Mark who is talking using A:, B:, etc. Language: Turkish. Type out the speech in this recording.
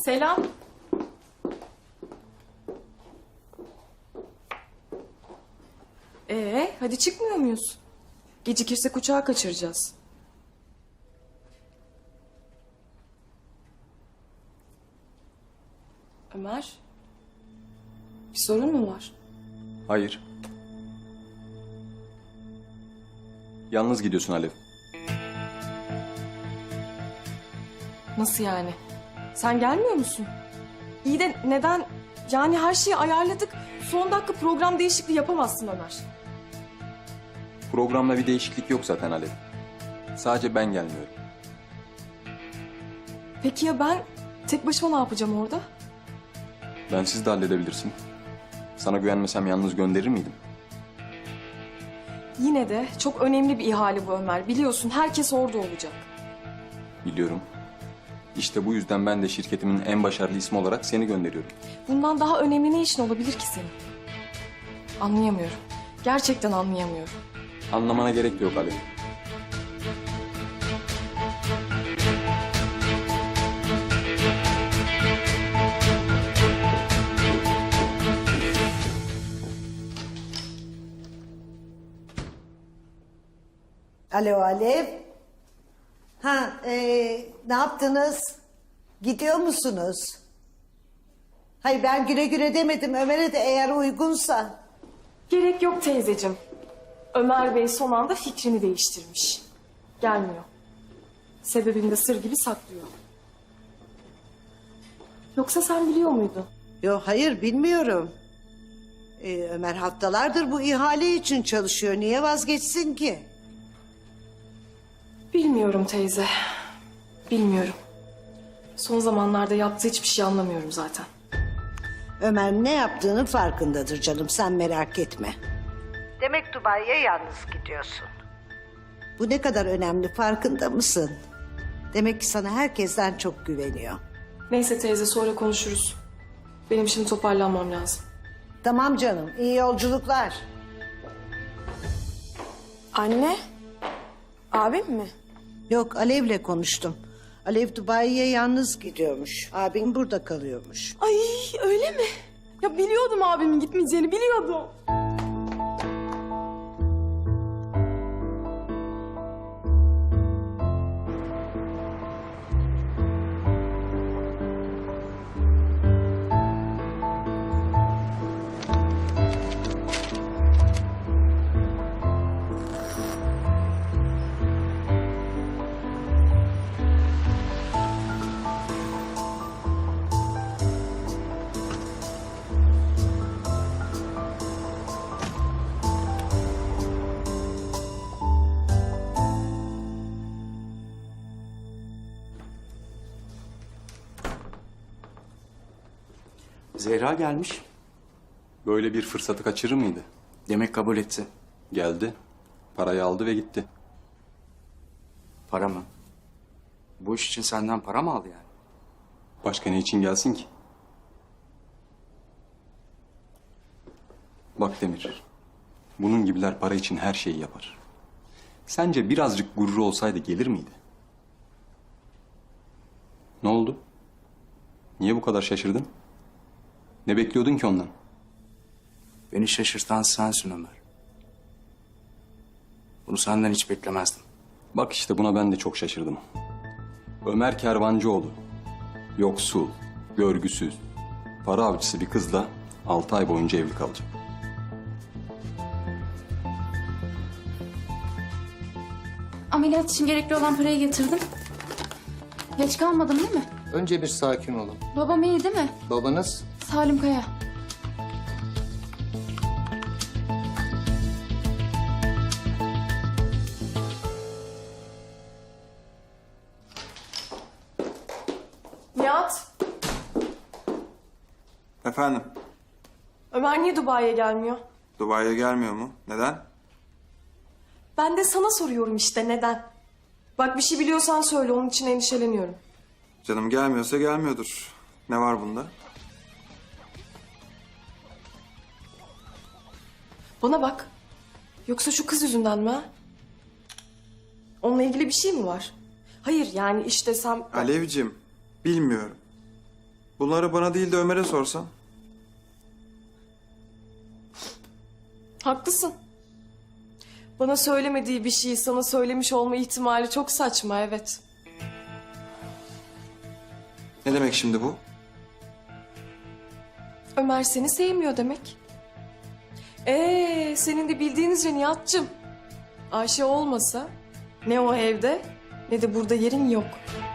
A: Selam. Hadi çıkmıyor muyuz? Gecikirse uçağı kaçıracağız. Ömer, bir sorun mu var?
B: Hayır. Yalnız gidiyorsun Alev.
A: Nasıl yani? Sen gelmiyor musun? İyi de neden? Yani her şeyi ayarladık. Son dakika program değişikliği yapamazsın Ömer.
B: Programda bir değişiklik yok zaten Alev. Sadece ben gelmiyorum.
A: Peki ya ben tek başıma ne yapacağım orada?
B: Bensiz de halledebilirsin. Sana güvenmesem yalnız gönderir miydim?
A: Yine de çok önemli bir ihale bu Ömer. Biliyorsun herkes orada olacak.
B: Biliyorum. İşte bu yüzden ben de şirketimin en başarılı ismi olarak seni gönderiyorum.
A: Bundan daha önemli ne işin olabilir ki senin? Anlayamıyorum. Gerçekten anlayamıyorum.
B: Anlamana gerek de yok Alev.
C: Alo Alev. Ne yaptınız? Gidiyor musunuz? Hayır ben güle güle demedim Ömer'e de eğer uygunsa.
A: Gerek yok teyzeciğim. Ömer Bey son anda fikrini değiştirmiş. Gelmiyor. Sebebini de sır gibi saklıyor. Yoksa sen biliyor muydun?
C: Yok hayır bilmiyorum. Ömer haftalardır bu ihale için çalışıyor. Niye vazgeçsin ki?
A: Bilmiyorum teyze. Bilmiyorum. Son zamanlarda yaptığı hiçbir şey anlamıyorum zaten.
C: Ömer ne yaptığının farkındadır canım sen merak etme. Demek Dubai'ye yalnız gidiyorsun. Bu ne kadar önemli farkında mısın? Demek ki sana herkesten çok güveniyor.
A: Neyse teyze sonra konuşuruz. Benim şimdi toparlanmam lazım.
C: Tamam canım iyi yolculuklar.
D: Anne, abim mi?
C: Yok Alev'le konuştum. Alev Dubai'ye yalnız gidiyormuş. Abin burada kalıyormuş.
D: Ay öyle mi? Ya biliyordum abimin gitmeyeceğini biliyordum.
E: Zehra gelmiş.
B: Böyle bir fırsatı kaçırır mıydı?
E: Demek kabul etti.
B: Geldi, parayı aldı ve gitti.
E: Para mı? Bu iş için senden para mı aldı yani?
B: Başka ne için gelsin ki? Bak Demir, bunun gibiler para için her şeyi yapar. Sence birazcık gururu olsaydı gelir miydi? Ne oldu? Niye bu kadar şaşırdın? Ne bekliyordun ki ondan?
E: Beni şaşırtan sensin Ömer. Bunu senden hiç beklemezdim.
B: Bak işte buna ben de çok şaşırdım. Ömer Kervancıoğlu, yoksul, görgüsüz, para avcısı bir kızla 6 ay boyunca evli kalacak.
F: Ameliyat için gerekli olan parayı getirdim. Geç kalmadım değil mi?
G: Önce bir sakin olun.
F: Babam iyi değil mi?
G: Babanız
F: Salim Kaya.
A: Nihat,
H: Efendim,
A: Ömer niye Dubai'ye gelmiyor?
H: Dubai'ye gelmiyor mu? Neden?
A: Ben de sana soruyorum işte neden? Bak bir şey biliyorsan söyle, onun için endişeleniyorum.
H: Canım gelmiyorsa gelmiyordur. Ne var bunda?
A: Bana bak. Yoksa şu kız yüzünden mi ha? Onunla ilgili bir şey mi var? Hayır yani iş desem...
H: Alevcim, bilmiyorum. Bunları bana değil de Ömer'e sorsan.
A: Haklısın. Bana söylemediği bir şeyi sana söylemiş olma ihtimali çok saçma, evet.
H: Ne demek şimdi bu?
A: Ömer seni sevmiyor demek. Senin de bildiğinizce Nihat'cığım. Ayşe olmasa ne o evde ne de burada yerin yok.